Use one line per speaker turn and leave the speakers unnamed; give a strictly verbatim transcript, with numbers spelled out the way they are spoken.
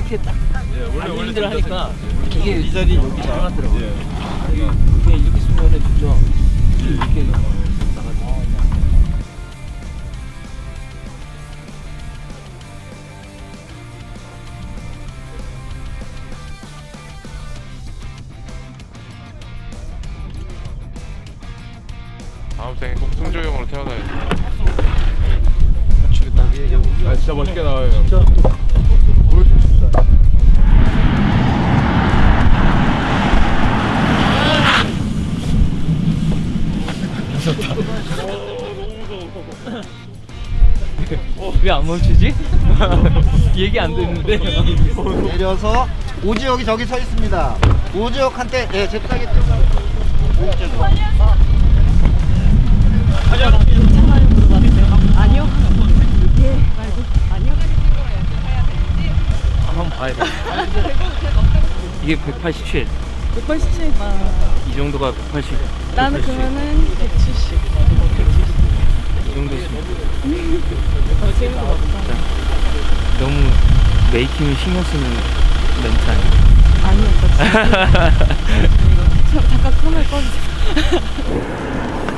이렇게 딱
예, 원래 원래
힘들어 하니까 이게
이 자리 여기
잘 맞더라고요.
예.
이게 이렇게 쓰면은 진짜 이렇게 나가지고.
다음 생에 꼭 승조형으로 태어나야지.
아, 진짜 멋있게 나와요. 형.
진짜 보여주고 싶다. 왜 안 멈추지? 얘기 안 듣는데.
내려서 오지혁이 저기 서 있습니다. 오지혁한테 예, 잽싸게 뛰어가.
아니요. 예, 말고 아니요.
한번 봐야 돼. 이게 백팔십칠.
백팔십칠.
이 정도가 백팔십.
나는 그러면은 백칠십.
이 정도 있으면 진짜 너무 메이킹을 신경 쓰는 멘트 아니야?
아니요, 진짜. 잠깐 카메라 꺼주세요.